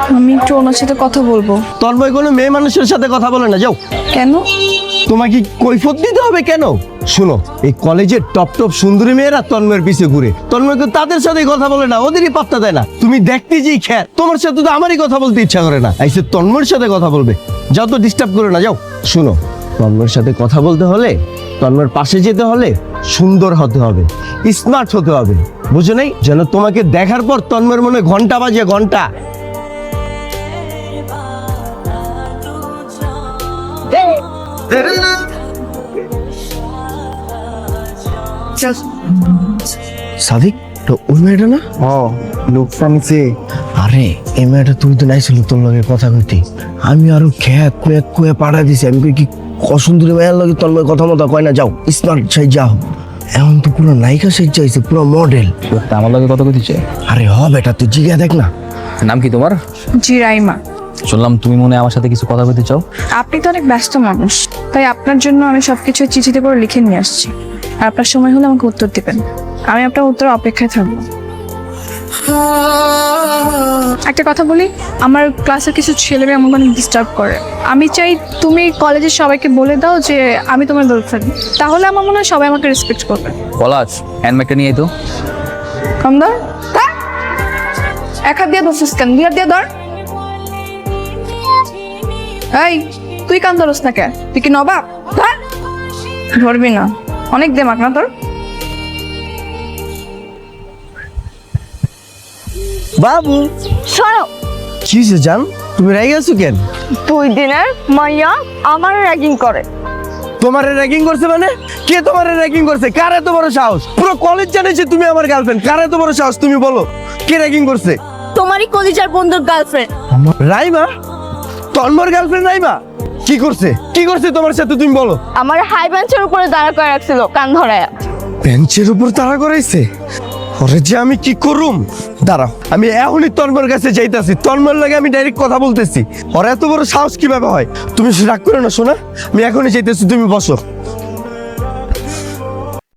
আমি একটু ওনার সাথে কথা বলবো। তন্ময় কোনো মেয়ে মানুষের সাথে কথা বলে না, যাও। কেন? তোমাকে কৈফত দিতে হবে কেন? শুনো, এই কলেজের টপ টপ সুন্দরী মেয়েরা তন্ময়ের পিছে ঘুরে, তন্ময় তো তাদের সাথে কথা বলে না, ওদেরই পাত্তা দেয় না। তুমি দেখতে যেই খ্যার, তোমার সাথে তো আমারই কথা বলতে ইচ্ছা করে না, আইসে তন্ময়ের সাথে কথা বলবে। যাও তো, ডিস্টার্ব করে না, যাও। শুনো, তন্ময়ের সাথে কথা বলতে হলে, তন্ময়ের পাশে যেতে হলে সুন্দর হতে হবে, স্মার্ট হতে হবে, বুঝো নাই? যেন তোমাকে দেখার পর তন্ময়ের মনে ঘন্টা বাজে, ঘন্টা। সাদিক, তো ওই মেয়েটা না? লোকটা নিচে। আরে এই মেয়েটা, তুমি তো নাইছিল তোর লগে কথা কইতে, আমি আরো খেয়া কুয়ে কুয়ে পাড়া দিছি। আমি কই কি অসুন্দরী মেয়ের লগে তোর লগে কথা মতো কয় না, যাও স্মার্ট সাইজ যাও। এখন তো পুরো নায়িকা সাইজ চাইছে, পুরো মডেল। আমার লগে কত কইছে? আরে হ বেটা, তুই জিগা দেখ না। নাম কি তোমার? জি রাইমা। শুনলাম তুমি মনে হয় আমার সাথে কিছু কথা বলতে চাও। আপনি তো অনেক ব্যস্ত মানুষ, তাই আপনার জন্য আমি সবকিছু চিঠিতে করে লিখে নিয়ে আসছি। আর আপনার সময় হলে আমাকে উত্তর দিবেন, আমি আপনার উত্তর অপেক্ষায় থাকবো। একটা কথা বলি, আমার ক্লাসের কিছু ছেলেমেয়ে আমাকে অনেক ডিস্টার্ব করে। আমি চাই তুমি কলেজের সবাইকে বলে দাও যে আমি তোমার গার্লফ্রেন্ড, তাহলে আমার মনে হয় সবাই আমাকে রেসপেক্ট করবে। পলাশ, হ্যান্ডব্যাগটা নিয়ে আয় তো। কম ধর, এক হাত দিয়ে ধরছিস কেন? দুই হাত দিয়ে ধর। এই, তুই কান ধরস না কেন? তুই কি নবাব? ধরবি না, অনেক দেমাক না তোর। বাবু, সরো। কি হয়েছে জান, তুমি রেগে আছো কেন? 2 দিনের মাইয়া আমার র্যাগিং করে। তোমারে র্যাগিং করছে মানে? কে তোমারে র্যাগিং করছে? কার এত বড় সাহস? পুরো কলেজ জানে যে তুমি আমার গার্লফ্রেন্ড। কার এত বড় সাহস তুমি বলো? কে র্যাগিং করছে? তোমারই কলিজার বন্ধুর গার্লফ্রেন্ড। রাইমা? তন্ময়ের গার্লফ্রেন্ড রাইমা? কি করছে? কি করছে তোমার সাথে তুমি বলো? আমার হাই বেঞ্চের উপরে দাঁড়া করে রাখছিল কান ধরায়া। বেঞ্চের উপর তাড়া করাইছে? ওরে যে আমি কি করুম, দাঁড়াও, আমি এখনই তন্ময়ের কাছে যাইতাছি। তন্ময়ের লাগে আমি ডাইরেক্ট কথা বলতেছি। ওর এত বড় সাহস কিভাবে হয়? তুমি রাগ করো না, শোনা, আমি এখনই যাইতেছি, তুমি বসো।